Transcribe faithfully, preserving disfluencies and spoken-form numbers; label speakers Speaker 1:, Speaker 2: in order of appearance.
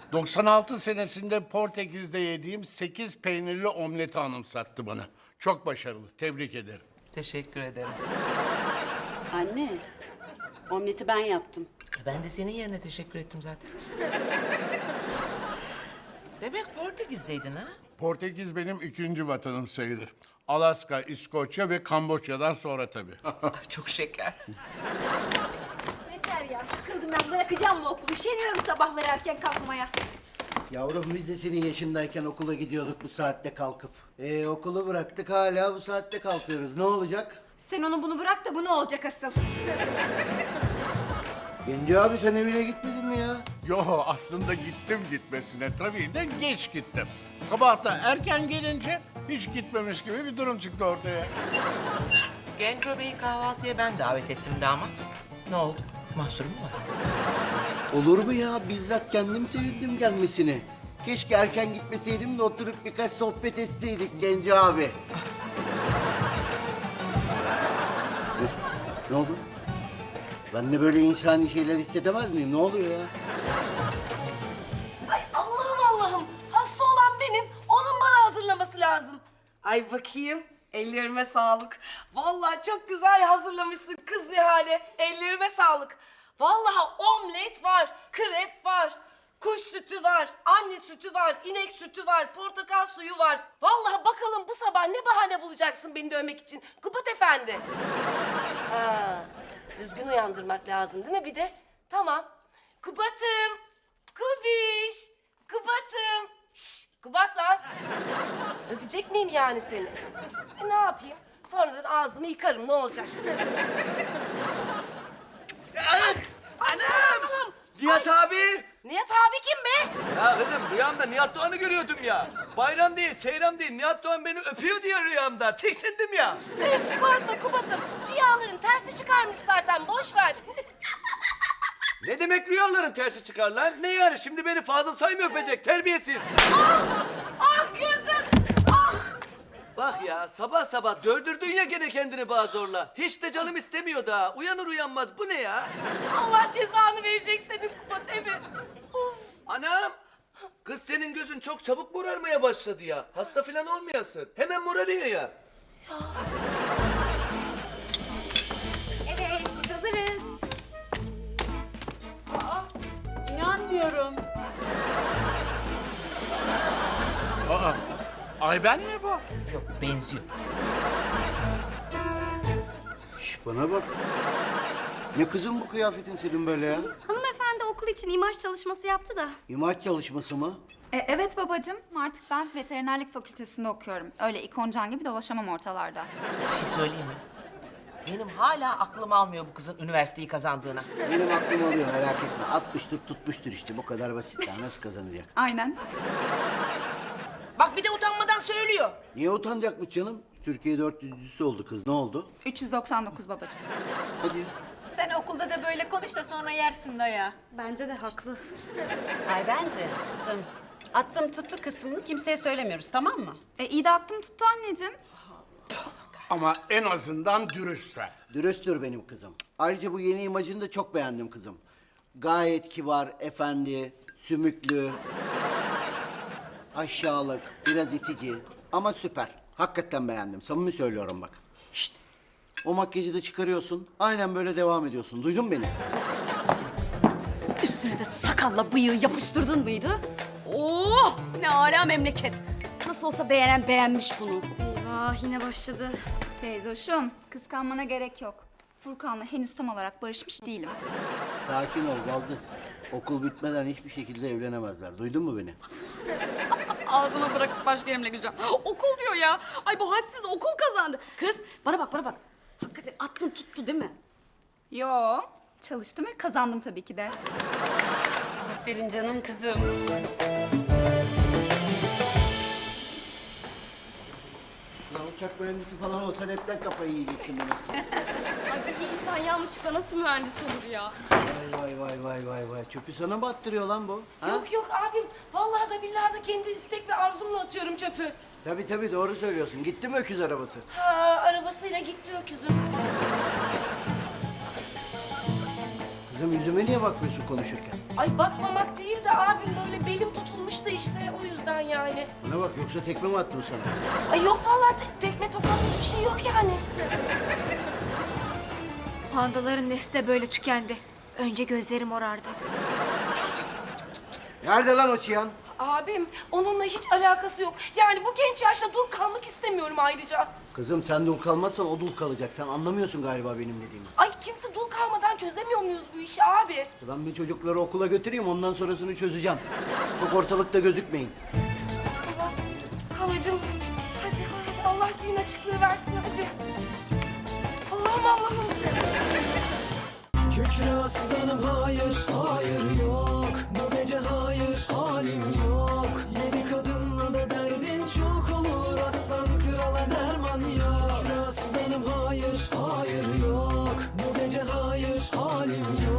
Speaker 1: doksan altı senesinde Portekiz'de yediğim sekiz peynirli omleti anımsattı bana. Çok başarılı, tebrik ederim.
Speaker 2: Teşekkür ederim.
Speaker 3: Anne, omleti ben yaptım.
Speaker 2: Ben de senin yerine teşekkür ettim zaten. Demek Portekiz'deydin ha?
Speaker 1: Portekiz benim ikinci vatanım sayılır. Alaska, İskoçya ve Kamboçya'dan sonra tabii.
Speaker 2: Ay, çok şeker.
Speaker 4: Yeter ya, sıkıldım ben. Bırakacağım mı okulu? Üşeniyorum sabahları erken kalkmaya.
Speaker 5: Yavrum biz de senin yaşındayken okula gidiyorduk bu saatte kalkıp. Ee, okulu bıraktık hala bu saatte kalkıyoruz. Ne olacak?
Speaker 4: Sen onu bunu bırak da bu ne olacak asıl?
Speaker 5: Genci abi sen evine gitmedin mi ya?
Speaker 1: Yo, aslında gittim gitmesine tabii de geç gittim. Sabah da erken gelince hiç gitmemiş gibi bir durum çıktı ortaya.
Speaker 2: Genco Bey'i kahvaltıya ben davet ettim damat. Ne oldu? Mahsuru mu var?
Speaker 5: Olur mu ya? Bizzat kendim sevindim gelmesine. Keşke erken gitmeseydim de oturup birkaç sohbet etseydik Genci abi. ne, ne oldu? Ben de böyle insani şeyler hissedemez miyim? Ne oluyor ya?
Speaker 6: Ay Allah'ım Allah'ım. Hasta olan benim. Onun bana hazırlaması lazım. Ay bakayım. Ellerime sağlık. Vallahi çok güzel hazırlamışsın kız Nihale. Ellerime sağlık. Vallahi omlet var, krep var, kuş sütü var, anne sütü var, inek sütü var, portakal suyu var. Vallahi bakalım bu sabah ne bahane bulacaksın beni dövmek için Kubat Efendi. Ha, düzgün uyandırmak lazım değil mi bir de? Tamam. Kubat'ım, Kubiş, Kubat'ım. Şşş, Kubat lan. Öpecek miyim yani seni? E, ne yapayım? Sonradan ağzımı yıkarım, ne olacak?
Speaker 7: Anam!
Speaker 6: Allah'ım!
Speaker 7: Nihat abi!
Speaker 6: Nihat abi kim be?
Speaker 7: Ya kızım rüyamda Nihat Doğan'ı görüyordum ya. Bayram değil, seyram değil. Nihat Doğan beni öpüyor diye rüyamda. Tiksindim ya.
Speaker 6: Öf korkma Kubat'ım. Rüyaların tersi çıkarmış zaten, boş ver.
Speaker 7: Ne demek rüyaların tersi çıkar lan? Ne yani şimdi beni fazla say mı öpecek terbiyesiz?
Speaker 6: Ah gözüm! Ah!
Speaker 7: Bak ya sabah sabah dövdürdün ya gene kendini bana zorla. Hiç de canım istemiyor daha. Uyanır uyanmaz bu ne ya?
Speaker 6: Allah cezanı verecek senin Kubat emi. Of!
Speaker 7: Anam! Kız senin gözün çok çabuk morarmaya başladı ya. Hasta falan olmayasın. Hemen morarıyor ya.
Speaker 4: Evet, biz hazırız.
Speaker 3: Aa, inanmıyorum.
Speaker 1: Aa, Ayben mi bu?
Speaker 2: Yok, benziyor.
Speaker 5: Şş, bana bak. Ne kızım bu kıyafetin senin böyle ya?
Speaker 4: Hanımefendi okul için imaj çalışması yaptı da.
Speaker 5: İmaç çalışması mı?
Speaker 8: E, evet babacığım. Artık ben veterinerlik fakültesinde okuyorum. Öyle ikoncan gibi dolaşamam ortalarda.
Speaker 2: Bir şey söyleyeyim mi? Benim hala aklım almıyor bu kızın üniversiteyi kazandığına.
Speaker 5: Benim aklım alıyor merak etme. Atmıştır tutmuştur işte bu kadar basit ya. Nasıl kazanacak?
Speaker 8: Aynen.
Speaker 2: Bak bir de utanmadan söylüyor.
Speaker 5: Niye utanacakmış canım? Türkiye dört yüzüncüsü oldu kız. Ne oldu?
Speaker 8: üç yüz doksan dokuz babacığım.
Speaker 5: Hadi ya.
Speaker 3: Sen okulda da böyle konuş da sonra yersin daya.
Speaker 4: Bence de haklı.
Speaker 3: Ay bence kızım. Attım tuttu kısmını kimseye söylemiyoruz tamam mı?
Speaker 8: E, iyi de attım tuttu anneciğim.
Speaker 1: Ama en azından dürüstler.
Speaker 5: Dürüsttür benim kızım. Ayrıca bu yeni imajını da çok beğendim kızım. Gayet kibar, efendi, sümüklü, aşağılık, biraz itici ama süper. Hakikaten beğendim. Samimi söylüyorum bak. Şşt. O makyajı da çıkarıyorsun. Aynen böyle devam ediyorsun. Duydun mu beni?
Speaker 3: Üstüne de sakalla bıyığı yapıştırdın mıydı? Oh ne âlâ memleket. Nasıl olsa beğenen beğenmiş bunu.
Speaker 4: Eyvah, yine başladı.
Speaker 8: Teyzoşum, kıskanmana gerek yok. Furkan'la henüz tam olarak barışmış değilim.
Speaker 5: Sakin ol Baldız. Okul bitmeden hiçbir şekilde evlenemezler. Duydun mu beni?
Speaker 3: Ağzıma bırakıp başka yerimle güleceğim. Okul diyor ya. Ay bu hadsiz okul kazandı. Kız bana bak bana bak. Hakikaten attın tuttu değil mi?
Speaker 8: Yo, çalıştım ve kazandım tabii ki de.
Speaker 3: Aferin canım kızım.
Speaker 5: Ya uçak mühendisi falan olsan hepten kafayı yiyeceksin beni.
Speaker 6: Ay bir insan yanlışlıkla nasıl mühendis olur ya?
Speaker 5: Vay vay vay vay vay. Çöpü sana mı attırıyor lan bu? Ha?
Speaker 6: Yok yok abim. Vallahi da billahi de kendi istek ve arzumla atıyorum çöpü.
Speaker 5: Tabii tabii doğru söylüyorsun. Gitti mi öküz arabası?
Speaker 6: Ha arabasıyla gitti öküzüm.
Speaker 5: Kızım Kızım yüzüme niye bakmıyorsun konuşurken?
Speaker 6: Ay bakmamak değil de abim böyle belim tutulmuş da işte o yüzden yani.
Speaker 5: Bana bak yoksa tekme mi attım sana?
Speaker 6: Ay yok vallahi te- tekme tokat hiçbir şey yok yani.
Speaker 4: Pandaların nesli de böyle tükendi. Önce gözlerim morardı.
Speaker 5: Nerede lan o Çiyan?
Speaker 6: Abim onunla hiç alakası yok. Yani bu genç yaşta dul kalmak istemiyorum ayrıca.
Speaker 5: Kızım sen dul kalmazsan o dul kalacak. Sen anlamıyorsun galiba benim dediğimi.
Speaker 6: Ay kimse dul kalmadan çözemiyor muyuz bu işi abi?
Speaker 5: Ben bir çocukları okula götüreyim ondan sonrasını çözeceğim. Çok ortalıkta gözükmeyin.
Speaker 6: Allah, halacığım hadi hadi Allah senin açıklığı versin hadi. Allah'ım Allah'ım.
Speaker 9: Kükre aslanım hayır, hayır yok. Bu gece hayır, halim yok. Yedi kadınla da derdin çok olur. Aslan krala derman yok. Kükre aslanım hayır, hayır yok. Bu gece hayır, halim yok.